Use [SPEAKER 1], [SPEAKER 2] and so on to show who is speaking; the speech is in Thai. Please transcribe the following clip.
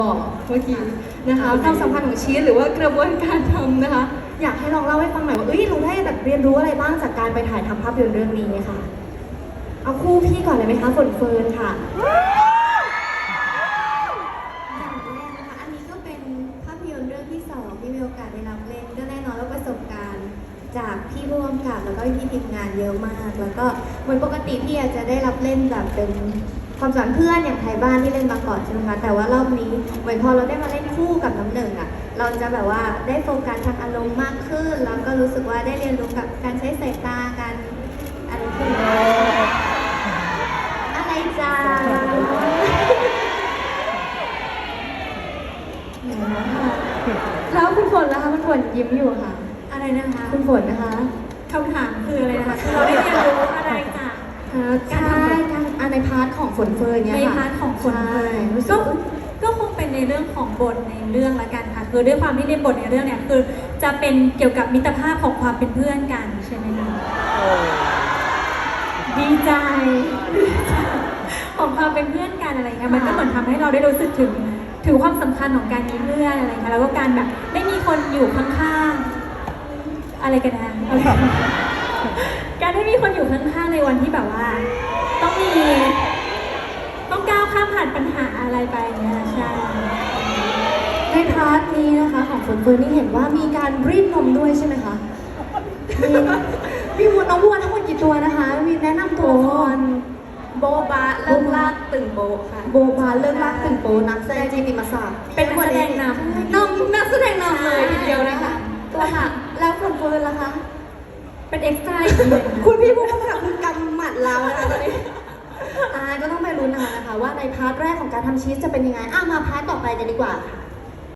[SPEAKER 1] เมื่อกี้นะคะความสัมพันธ์ของชีสหรือว่ากระบวนการทำนะคะอยากให้ลองเล่าให้ฟังหน่อยว่าเราได้แบบเรียนรู้อะไรบ้างจากการไปถ่ายทำภาพยนตร์เรื่องนี้ค่ะเอาคู่พี่ก่อนเลยไหมคะฝนเฟิร์นค่ะ
[SPEAKER 2] อย่างแรกนะคะอันนี้ก็เป็นภาพยนตร์เรื่องที่สองที่มีโอกาสได้รับเล่นก็แน่นอนว่าประสบการณ์จากพี่ร่วมกับแล้วก็พี่ทีมงานเยอะมาก แล้วก็เหมือนปกติพี่อาจจะได้รับเล่นแบบเป็นความสัมพันธ์เพื่อนอย่างไทยบ้านที่เล่นมาก่อนใช่ไหมคะแต่ว่ารอบนี้เหมือนพอเราได้มาเล่นคู่กับน้ำหนึ่งอ่ะเราจะแบบว่าได้โฟกัสทางอารมณ์มากขึ้นแล้วก็รู้สึกว่าได้เรียนรู้กับการใช้สายตาการอะไรพวกนี้อะไรจ้า
[SPEAKER 1] แล้วคุณฝนล่ะคะคุณฝนยิ้มอยู่ค่ะ
[SPEAKER 2] อะไรนะคะ
[SPEAKER 1] คุณฝนนะคะ
[SPEAKER 2] คำถามคืออะไรนะคะคือเราได้เรียนรู้อะไรจาก
[SPEAKER 1] ใช่การในพาร์ทของฝนเฟิร์นเนี่ย
[SPEAKER 3] ใน
[SPEAKER 1] ค่ะ
[SPEAKER 3] พาร์ทของคน
[SPEAKER 1] ใช่รู้สึ
[SPEAKER 3] ก็
[SPEAKER 1] กว่า
[SPEAKER 3] ก็คงเป็นในเรื่องของบทในเรื่องละกันค่ะคือด้วยความที่ในบทในเรื่องเนี่ยคือจะเป็นเกี่ยวกับมิตรภาพของความเป็นเพื่อนกันใช่ไหมคะดีใจของความเป็นเพื่อนกันอะไรเงี้ยมันก็เหมือนทำให้เราได้รู้สึกถึงความสำคัญของการมีเพื่อนอะไรเงี้ยแล้วก็การแบบได้มีคนอยู่ข้างๆอะไรกันนะอะไรการได้มีคนอยู่ข้างๆในวันที่แบบว่าต้องก้าวข้ามผ่านปัญหาอะไรไปเนี่ยใช่
[SPEAKER 1] ในพาร์ทนี้นะคะของฝนเฟิร์นนี่เห็นว่ามีการรีดนมด้วยใช่ไหมคะมีวัวน้องวัวทั้งหมดกี่ตัวนะคะมีแนะนำตัวละคร
[SPEAKER 2] โบบะเริ่มลากตึงโบค่ะ
[SPEAKER 1] โบบาเลิกลากถึงโปนักแสดงจีติมาศักดิ์
[SPEAKER 3] เป็นนักแสดงนำ
[SPEAKER 1] นักแสดงนำเลยทีเดียวนะคะตัวค่ะแล้วฝนเฟิร์นล่ะคะ
[SPEAKER 3] เป็นเอ็กซ์ตร้าอีกทีหนึ่ง
[SPEAKER 1] คุณพี่ผู้กำกับคือกำหมัดเรานะคะตอนนี้ก็ต้องไปลุ้นเอานะคะว่าในพาร์ทแรกของการทำชีสจะเป็นยังไงมาพาร์ทต่อไปกันดีกว่าค่ะ